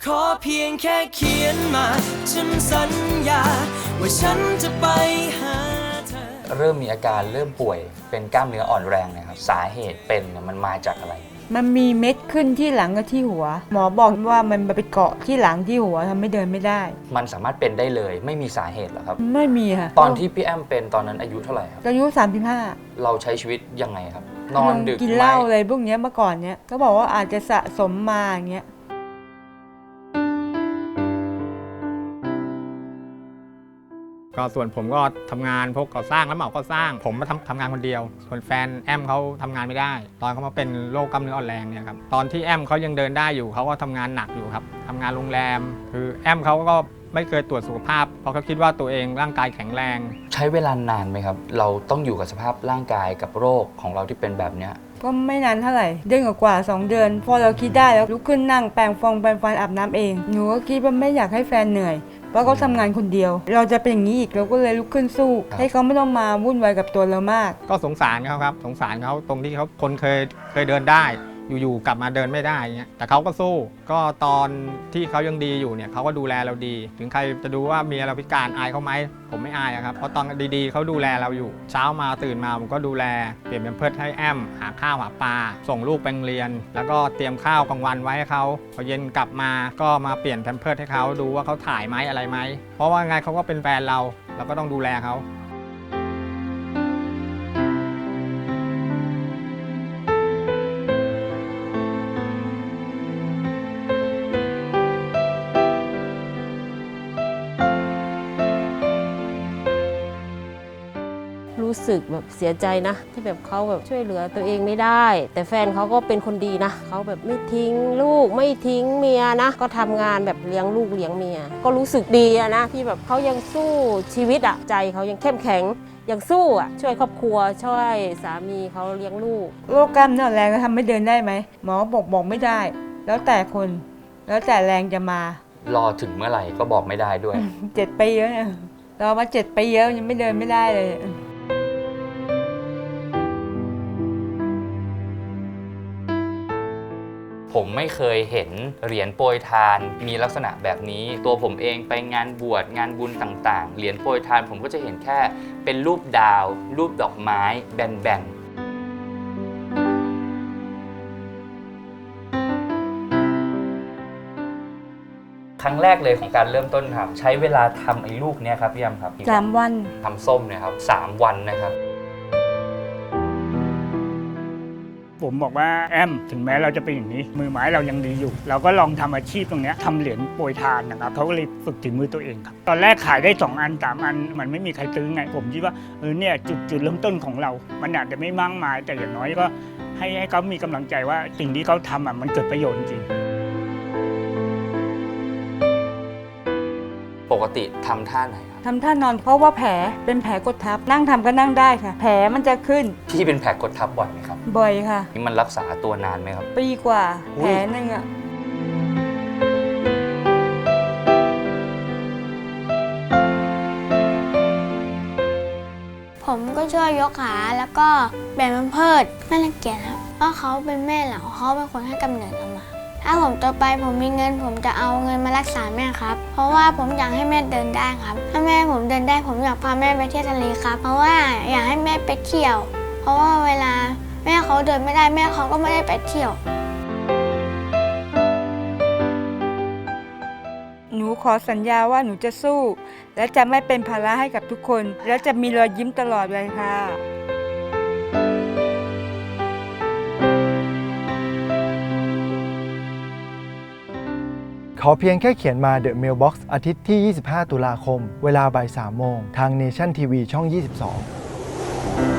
ขอเพียงแค่เขียนมาฉันสัญญาว่าฉันจะไปหาเธอเริ่มมีอาการเริ่มป่วยเป็นกล้ามเนื้ออ่อนแรงนะครับสาเหตุเป็นมันมาจากอะไรมันมีเม็ดขึ้นที่หลังกับที่หัวหมอบอกว่ามันไปเกาะที่หลังที่หัวทำให้เดินไม่ได้มันสามารถเป็นได้เลยไม่มีสาเหตุหรอครับไม่มีค่ะตอนที่พี่แอมเป็นตอนนั้นอายุเท่าไหร่ครับอายุ35 เราใช้ชีวิตยังไงครับนอนดึกกินเหล้าอะไรพวกนี้เมื่อก่อนเนี้ยก็บอกว่าอาจจะสะสมมาอย่างเงี้ยก็ส่วนผมก็ทำงานพวกก่อสร้างแล้วเหมาก่อสร้างผมมาทำงานคนเดียวส่วนแฟนแอมเขาทำงานไม่ได้ตอนเขามาเป็นโรคกล้ามเนื้ออ่อนแรงเนี่ยครับตอนที่แอมเขายังเดินได้อยู่เขาก็ทำงานหนักอยู่ครับทำงานโรงแรมคือแอมเขาก็ไม่เคยตรวจสุขภาพเพราะเขาคิดว่าตัวเองร่างกายแข็งแรงใช้เวลานานไหมครับเราต้องอยู่กับสภาพร่างกายกับโรคของเราที่เป็นแบบเนี้ยก็ไม่นานเท่าไหร่เดือนกว่า2 เดือนพอเราคิดได้แล้วลุกขึ้นนั่งแปรงฟันอาบน้ำเองหนูก็คิดว่าไม่อยากให้แฟนเหนื่อยเพราะเขาทำงานคนเดียวเราจะเป็นอย่างนี้อีกเราก็เลยลุกขึ้นสู้ให้เขาไม่ต้องมาวุ่นวายกับตัวเรามากก็สงสารเขาครับสงสารเขาตรงที่เขาคนเคยเดินได้อยู่ๆกลับมาเดินไม่ได้เงี้ยแต่เขาก็สู้ก็ตอนที่เขายังดีอยู่เนี่ยเขาก็ดูแลเราดีถึงใครจะดูว่าเมียเราพิการอายเขาไหมผมไม่อายครับเพราะตอนดีๆเขาดูแลเราอยู่เช้ามาตื่นมาผมก็ดูแลเปลี่ยนเป็นเพิดให้แอมหาข้าวหาปลาส่งลูกไปโรงเรียนแล้วก็เตรียมข้าวกลางวันไว้ให้เขาพอเย็นกลับมาก็มาเปลี่ยนแพมเพิร์สให้เขาดูว่าเขาถ่ายไหมอะไรไหมเพราะว่าไงเขาก็เป็นแฟนเราก็ต้องดูแลเขารู้สึกแบบเสียใจนะที่แบบเขาแบบช่วยเหลือตัวเองไม่ได้แต่แฟนเขาก็เป็นคนดีนะเขาแบบไม่ทิ้งลูกไม่ทิ้งเมียนะก็ทำงานแบบเลี้ยงลูกเลี้ยงเมียก็รู้สึกดีอะนะที่แบบเขายังสู้ชีวิตอะใจเขายังเข้มแข็งยังสู้อะช่วยครอบครัวช่วยสามีเขาเลี้ยงลูกโรคกล้ามเนื้ออ่อนแรงทำให้เดินได้ไหมหมอบอกไม่ได้แล้วแต่คนแล้วแต่แรงจะมารอถึงเมื่อไหร่ก็บอกไม่ได้ด้วย 7 ปีแล้วเนี่ยรอมา7 ปีแล้วยังไม่เดินไม่ได้เลยผมไม่เคยเห็นเหรียญโปรยทานมีลักษณะแบบนี้ตัวผมเองไปงานบวชงานบุญต่างๆเหรียญโปรยทานผมก็จะเห็นแค่เป็นรูปดาวรูปดอกไม้แบนๆครั้งแรกเลยของการเริ่มต้นทำใช้เวลาทำไอ้ลูกเนี้ยครับพี่ยำครับ 3 วันทำส้มเนี่ยครับ3 วันนะครับผมบอกว่าแอมถึงแม้เราจะเป็นอย่างนี้มือไม้เรายังดีอยู่เราก็ลองทำอาชีพตรงนี้ทำเหรียญโปรยทานนะครับเขาก็เลยฝึกถึงมือตัวเองครับตอนแรกขายได้2 อัน3 อันมันไม่มีใครซื้อไงผมคิดว่าเนี่ยจุดเริ่มต้นของเรามันอาจจะไม่มากมายแต่อย่างน้อยก็ให้เขามีกำลังใจว่าสิ่งที่เขาทำมันเกิดประโยชน์จริงปกติทำท่าไหนครับทำท่านอนเพราะว่าแผลเป็นแผลกดทับนั่งทำก็นั่งได้ค่ะแผลมันจะขึ้นที่เป็นแผลกดทับบ่อยไหมครับบ่อยค่ะนี่มันรักษาตัวนานไหมครับปีกว่าแผลนึงอะผมก็ช่วยยกขาแล้วก็แบ่งมันเพิดไม่รังเกียจครับเพราะเขาเป็นแม่เราเขาเป็นคนให้กำเนิดเรามาถ้าผมโตไปผมมีเงินผมจะเอาเงินมารักษาแม่ครับเพราะว่าผมอยากให้แม่เดินได้ครับถ้าแม่ผมเดินได้ผมอยากพาแม่ไปเที่ยวทะเลครับเพราะว่าอยากให้แม่ไปเที่ยวเพราะว่าเวลาแม่เขาเดินไม่ได้แม่เขาก็ไม่ได้ไปเที่ยวหนูขอสัญญาว่าหนูจะสู้และจะไม่เป็นภาระให้กับทุกคนและจะมีรอยยิ้มตลอดเลยค่ะขอเพียงแค่เขียนมา The Mailbox อาทิตย์ที่ 25 ตุลาคม เวลาบ่าย 3 โมง ทาง Nation TV ช่อง 22